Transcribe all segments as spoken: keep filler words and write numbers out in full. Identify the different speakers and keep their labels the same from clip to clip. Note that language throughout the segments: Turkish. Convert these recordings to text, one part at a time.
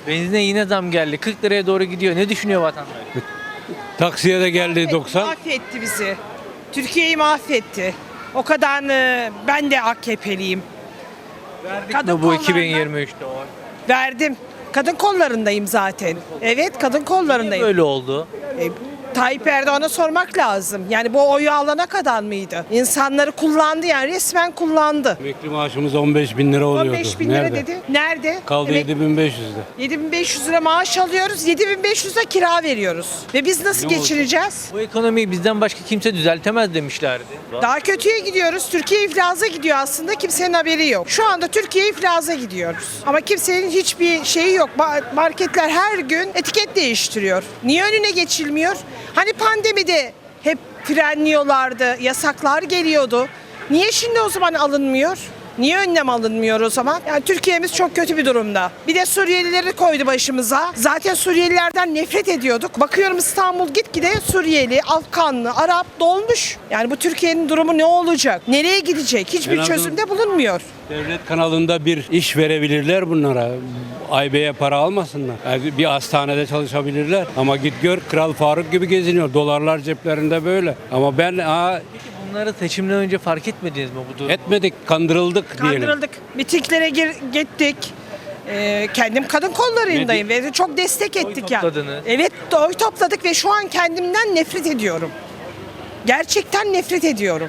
Speaker 1: Benzine yine zam geldi. kırk liraya doğru gidiyor. Ne düşünüyor vatandaş?
Speaker 2: Taksiye de geldi doksan.
Speaker 3: Mahvetti bizi. Türkiye'yi mahvetti. O kadar e, ben de A K P'liyim. Kadın
Speaker 1: Bu, bu
Speaker 3: kollarında-
Speaker 1: iki bin yirmi üçte o.
Speaker 3: Verdim. Kadın kollarındayım zaten. Evet, kadın
Speaker 1: Niye
Speaker 3: kollarındayım.
Speaker 1: böyle oldu?
Speaker 3: E, Tayyip Erdoğan'a sormak lazım. Yani bu oyu alana kadar mıydı? İnsanları kullandı, yani resmen kullandı.
Speaker 2: Emekli maaşımız on beş bin lira oluyordu.
Speaker 3: on beş bin lira
Speaker 2: Nerede?
Speaker 3: dedi. Nerede?
Speaker 2: Kaldı
Speaker 3: Emek-
Speaker 2: yedi bin beş yüzde.
Speaker 3: yedi bin beş yüz lira maaş alıyoruz, yedi bin beş yüz lira kira veriyoruz. Ve biz nasıl
Speaker 2: Ne olacak?
Speaker 3: geçineceğiz?
Speaker 1: Bu ekonomiyi bizden başka kimse düzeltemez demişlerdi.
Speaker 3: Daha kötüye gidiyoruz. Türkiye iflaza gidiyor aslında. Kimsenin haberi yok. Şu anda Türkiye iflaza gidiyoruz. Ama kimsenin hiçbir şeyi yok. Ba- Marketler her gün etiket değiştiriyor. Niye önüne geçilmiyor? Hani pandemide hep frenliyorlardı, yasaklar geliyordu. Niye şimdi o zaman alınmıyor? Niye önlem alınmıyor o zaman? Yani Türkiye'miz çok kötü bir durumda. Bir de Suriyelileri koydu başımıza. Zaten Suriyelilerden nefret ediyorduk. Bakıyorum İstanbul gitgide Suriyeli, Afganlı, Arap dolmuş. Yani bu Türkiye'nin durumu ne olacak? Nereye gidecek? Hiçbir
Speaker 2: En azından-
Speaker 3: çözümde bulunmuyor.
Speaker 2: Devlet kanalında bir iş verebilirler bunlara. Aybe'ye para almasınlar. Yani bir hastanede çalışabilirler. Ama git gör Kral Faruk gibi geziniyor. Dolarlar ceplerinde böyle. Ama ben aa,
Speaker 1: Bunları seçimden önce fark etmediniz mi bu durum?
Speaker 2: etmedik, kandırıldık diyelim.
Speaker 3: Kandırıldık. Mitinglere gir- gittik. Ee, kendim kadın kollarındayım ve çok destek ettik ya.
Speaker 1: topladınız.
Speaker 3: Evet, oy topladık ve şu an kendimden nefret ediyorum. Gerçekten nefret ediyorum.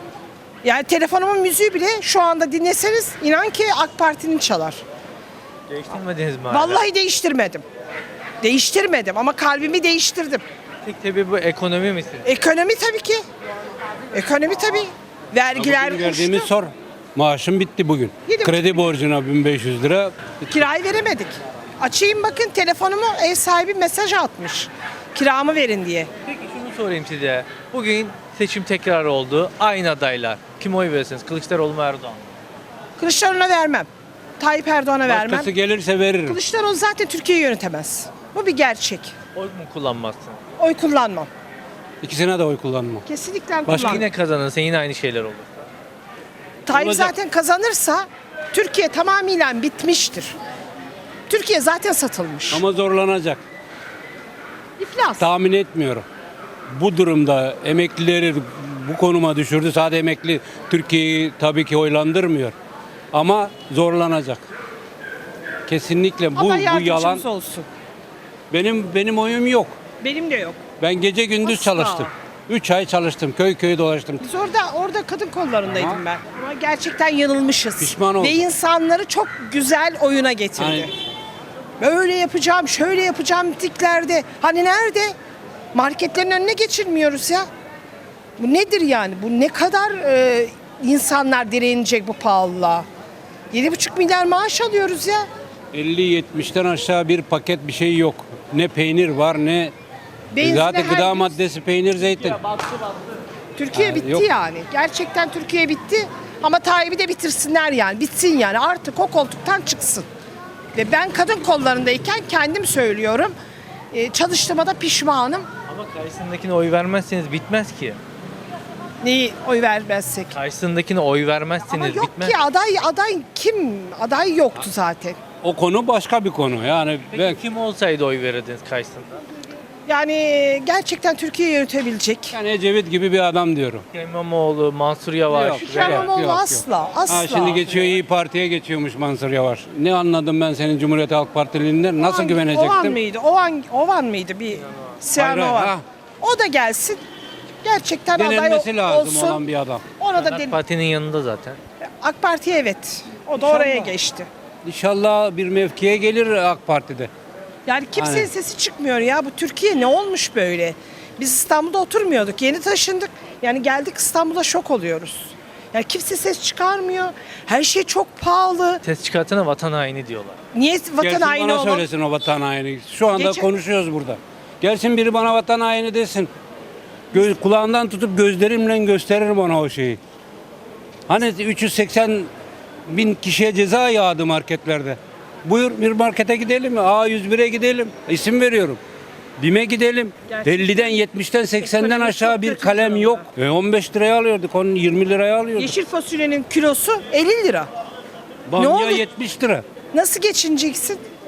Speaker 3: Yani telefonumun müziği bile şu anda dinleseniz inan ki AK Parti'nin çalar.
Speaker 1: Değiştirmediniz mi hala?
Speaker 3: Vallahi değiştirmedim. Değiştirmedim ama kalbimi değiştirdim.
Speaker 1: Tek sebebi bu ekonomi misin?
Speaker 3: Ekonomi tabii ki. Ekonomi tabii. Vergiler
Speaker 2: Bugün verdiğimiz
Speaker 3: uçtu.
Speaker 2: sor. Maaşım bitti bugün.
Speaker 3: Yedi
Speaker 2: Kredi
Speaker 3: buçuk
Speaker 2: borcuna bin beş yüz lira.
Speaker 3: Kirayı veremedik. Açayım bakın, telefonumu ev sahibi mesaj atmış. Kiramı verin diye.
Speaker 1: Peki şunu sorayım size. Bugün seçim tekrar oldu. Aynı adaylar. Kim oy verirsiniz? Kılıçdaroğlu mu Erdoğan mı?
Speaker 3: Kılıçdaroğlu'na vermem. Tayyip Erdoğan'a vermem.
Speaker 2: Başkası gelirse veririm.
Speaker 3: Kılıçdaroğlu zaten Türkiye'yi yönetemez. Bu bir gerçek.
Speaker 1: Oy mu kullanmazsın?
Speaker 3: Oy kullanmam.
Speaker 2: İkisine de oy kullanmam.
Speaker 3: Kesinlikle
Speaker 2: Başka
Speaker 3: kullanmam.
Speaker 1: Yine kazanırsa yine aynı şeyler olur.
Speaker 3: Tayyip
Speaker 2: olacak.
Speaker 3: zaten kazanırsa Türkiye tamamıyla bitmiştir. Türkiye zaten satılmış.
Speaker 2: Ama zorlanacak.
Speaker 3: İflas.
Speaker 2: Tahmin etmiyorum. Bu durumda emeklileri bu konuma düşürdü. Sadece emekli Türkiye'yi tabii ki oylandırmıyor. Ama zorlanacak. Kesinlikle bu
Speaker 3: Allah
Speaker 2: bu
Speaker 3: yardımcımız
Speaker 2: yalan.
Speaker 3: olsun.
Speaker 2: Benim benim oyum yok.
Speaker 3: Benim de yok.
Speaker 2: Ben gece gündüz
Speaker 3: Asla.
Speaker 2: çalıştım. üç ay çalıştım. Köy köy dolaştım.
Speaker 3: Biz orada orada kadın kollarındaydım
Speaker 2: Aha.
Speaker 3: ben. Ama gerçekten yanılmışız.
Speaker 2: Pişman oldum.
Speaker 3: Ve insanları çok güzel oyuna getirdi.
Speaker 2: Aynen.
Speaker 3: Böyle yapacağım, şöyle yapacağım tiklerde. Hani nerede? Marketlerin önüne geçirmiyoruz ya. Bu nedir yani? Bu ne kadar e, insanlar direnecek bu pahalılığa? yedi buçuk milyar maaş alıyoruz ya.
Speaker 2: elli yetmişten aşağı bir paket bir şey yok. Ne peynir var ne
Speaker 3: Benzine
Speaker 2: zaten
Speaker 3: her
Speaker 2: gıda
Speaker 3: gün-
Speaker 2: maddesi peynir zeytin.
Speaker 3: Türkiye
Speaker 2: Ha,
Speaker 3: bitti
Speaker 2: yok.
Speaker 3: yani. Gerçekten Türkiye bitti. Ama Tayyip'i de bitirsinler yani. Bitsin yani. Artık o koltuktan çıksın. Ve ben kadın kollarındayken kendim söylüyorum. Ee, çalıştığıma da pişmanım.
Speaker 1: Ama karşısındakine oy vermezseniz bitmez ki.
Speaker 3: Neyi oy vermezsek.
Speaker 1: Karşısındakine oy
Speaker 3: Ama
Speaker 1: vermezseniz
Speaker 3: yok
Speaker 1: bitmez.
Speaker 3: ki aday aday kim? Aday yoktu zaten.
Speaker 2: O konu başka bir konu. Yani
Speaker 1: Peki
Speaker 2: ben
Speaker 1: kim olsaydı oy verirdiniz karşısında?
Speaker 3: Yani gerçekten Türkiye'yi yönetebilecek.
Speaker 2: yani Ecevit gibi bir adam diyorum.
Speaker 1: İmamoğlu, Mansur Yavaş.
Speaker 2: Yok.
Speaker 3: Ekrem
Speaker 2: Yok,
Speaker 3: İmamoğlu
Speaker 2: yok, yok.
Speaker 3: asla, asla.
Speaker 2: Ha, şimdi geçiyor İyi Parti'ye geçiyormuş Mansur Yavaş. Ne anladım ben senin Cumhuriyet Halk Partiliğinden? Nasıl
Speaker 3: Ovan-
Speaker 2: güvenecektim?
Speaker 3: Ovan mıydı? Ovan, Ovan mıydı? Bir Sinan
Speaker 2: Hayır,
Speaker 3: Ovan.
Speaker 2: ha.
Speaker 3: O da gelsin. Gerçekten
Speaker 2: Denenmesi
Speaker 3: aday
Speaker 2: lazım
Speaker 3: olsun.
Speaker 2: olan bir adam.
Speaker 3: Ona da
Speaker 1: AK
Speaker 3: den-
Speaker 1: Parti'nin yanında zaten.
Speaker 3: AK Parti evet. O da
Speaker 2: İnşallah.
Speaker 3: oraya geçti.
Speaker 2: İnşallah bir mevkiye gelir AK Parti'de.
Speaker 3: Yani kimsenin
Speaker 2: Aynen.
Speaker 3: sesi çıkmıyor ya. Bu Türkiye ne olmuş böyle? Biz İstanbul'da oturmuyorduk. Yeni taşındık. Yani geldik İstanbul'a şok oluyoruz. Yani kimse ses çıkarmıyor. Her şey çok pahalı.
Speaker 1: Ses çıkartana vatan haini diyorlar.
Speaker 3: Niye vatan
Speaker 2: Gelsin
Speaker 3: haini
Speaker 2: bana
Speaker 3: olalım?
Speaker 2: söylesin o vatan haini. Şu anda
Speaker 3: Geçen-
Speaker 2: konuşuyoruz burada. Gelsin biri bana vatan haini desin. Göz, kulağından tutup gözlerimle gösteririm ona o şeyi. Hani üç yüz seksen bin kişiye ceza yağdı marketlerde. Buyur bir markete gidelim mi? A yüz bire gidelim. İsim veriyorum. BİM'e gidelim.
Speaker 3: Gerçekten.
Speaker 2: elliden, yetmişten, seksenden
Speaker 3: Ekonomi
Speaker 2: aşağı
Speaker 3: çok
Speaker 2: bir
Speaker 3: kötü
Speaker 2: kalem
Speaker 3: durumda.
Speaker 2: yok. E on beş liraya alıyorduk, onu yirmi liraya alıyorduk.
Speaker 3: Yeşil fasulyenin kilosu elli lira.
Speaker 2: Bamya
Speaker 3: oldu?
Speaker 2: yetmiş lira.
Speaker 3: Nasıl geçineceksin?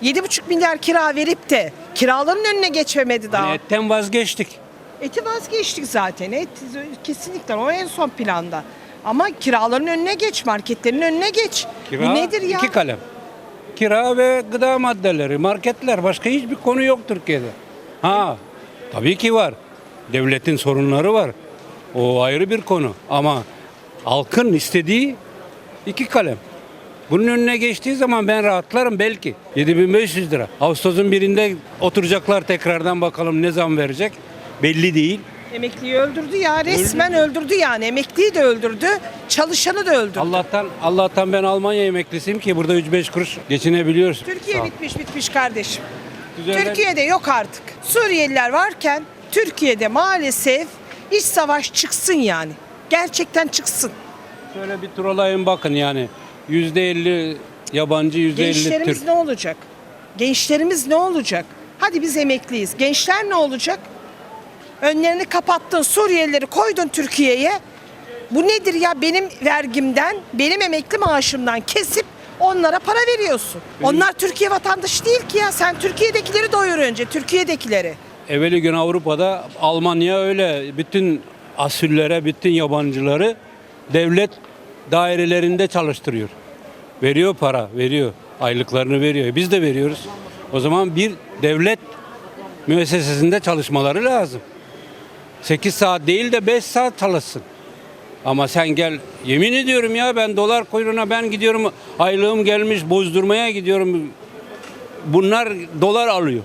Speaker 3: yedi buçuk milyar kira verip de kiraların önüne geçemedi daha.
Speaker 2: Hani etten vazgeçtik.
Speaker 3: Eti vazgeçtik zaten. Et kesinlikle o en son planda. Ama kiraların önüne geç, marketlerin önüne geç.
Speaker 2: Kira
Speaker 3: Bu nedir ya?
Speaker 2: iki kalem. Kira ve gıda maddeleri, marketler, başka hiçbir konu yok Türkiye'de. Ha, tabii ki var. Devletin sorunları var. O ayrı bir konu. Ama halkın istediği iki kalem. Bunun önüne geçtiği zaman ben rahatlarım belki. yedi bin beş yüz lira. Ağustos'un birinde oturacaklar tekrardan, bakalım ne zam verecek. Belli değil.
Speaker 3: Emekliyi öldürdü ya, resmen öldürdü yani. Emekliyi de öldürdü, çalışanı da öldürdü.
Speaker 2: Allah'tan Allah'tan ben Almanya emeklisiyim ki burada üç beş kuruş geçinebiliyoruz. Sağ
Speaker 3: Türkiye
Speaker 2: ol.
Speaker 3: bitmiş bitmiş kardeşim.
Speaker 2: Düzenler-
Speaker 3: Türkiye'de yok artık. Suriyeliler varken Türkiye'de maalesef iç savaş çıksın yani. Gerçekten çıksın.
Speaker 2: Şöyle bir turalayın bakın yani. yüzde elli yabancı, yüzde elli
Speaker 3: Gençlerimiz
Speaker 2: Türk.
Speaker 3: ne olacak? Gençlerimiz ne olacak? Hadi biz emekliyiz. Gençler ne olacak? Önlerini kapattın, Suriyelileri koydun Türkiye'ye. Bu nedir ya? Benim vergimden, benim emekli maaşımdan kesip onlara para veriyorsun. Onlar Türkiye vatandaşı değil ki ya. Sen Türkiye'dekileri doyur önce, Türkiye'dekileri.
Speaker 2: Evveli gün Avrupa'da, Almanya öyle bütün asüllere, bütün yabancıları devlet dairelerinde çalıştırıyor. Veriyor para, veriyor. Aylıklarını veriyor. Biz de veriyoruz. O zaman bir devlet müessesesinde çalışmaları lazım. sekiz saat değil de beş saat çalışsın. Ama sen gel, yemin ediyorum ya, ben dolar kuyruğuna ben gidiyorum, aylığım gelmiş bozdurmaya gidiyorum. Bunlar dolar alıyor.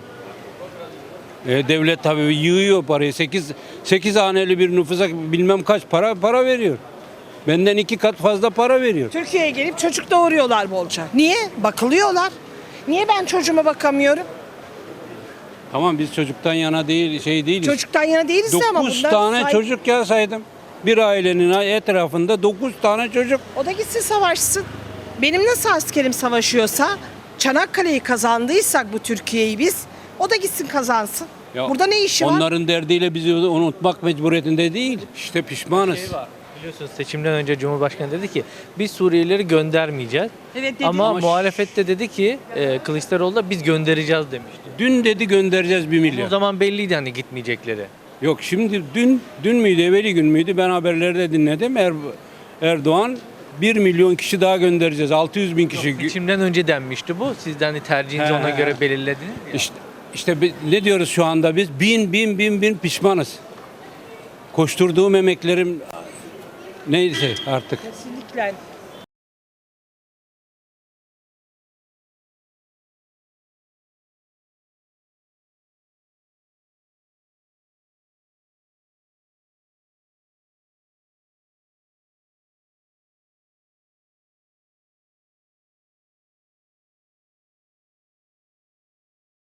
Speaker 2: E, devlet tabii yığıyor parayı. sekiz sekiz haneli bir nüfusa bilmem kaç para para veriyor. Benden iki kat fazla para veriyor.
Speaker 3: Türkiye'ye gelip çocuk doğuruyorlar bolca. Niye? Bakılıyorlar. Niye ben çocuğuma bakamıyorum?
Speaker 2: Tamam, biz çocuktan yana değil, şey değiliz.
Speaker 3: Çocuktan yana değiliz de ama
Speaker 2: dokuz
Speaker 3: bunlar
Speaker 2: tane
Speaker 3: sahip-
Speaker 2: çocuk ya saydım. Bir ailenin etrafında dokuz tane çocuk.
Speaker 3: O da gitsin savaşsın. Benim nasıl askerim savaşıyorsa, Çanakkale'yi kazandıysak bu Türkiye'yi biz, o da gitsin kazansın.
Speaker 2: Ya
Speaker 3: Burada ne işi var?
Speaker 2: Onların derdiyle bizi unutmak mecburiyetinde değil. İşte pişmanız.
Speaker 1: Şey var. Biliyorsunuz seçimden önce Cumhurbaşkanı dedi ki biz Suriyelileri göndermeyeceğiz.
Speaker 3: Evet dedi.
Speaker 1: Ama
Speaker 2: Ama-
Speaker 1: muhalefette dedi ki e, Kılıçdaroğlu da biz göndereceğiz demişti.
Speaker 2: Dün dedi göndereceğiz bir
Speaker 1: O
Speaker 2: milyar.
Speaker 1: zaman belliydi hani gitmeyecekleri.
Speaker 2: Yok şimdi dün dün müydü, evveli gün müydü, ben haberlerde dinledim. Er, Erdoğan bir milyon kişi daha göndereceğiz. altı yüz bin kişi.
Speaker 1: Seçimden önce denmişti bu. Siz de hani tercihinizi
Speaker 2: He.
Speaker 1: ona göre belirlediniz ya.
Speaker 2: İşte, işte bi- ne diyoruz şu anda biz? Bin bin bin bin pişmanız. Koşturduğum emeklerim neyse artık.
Speaker 3: Kesinlikle.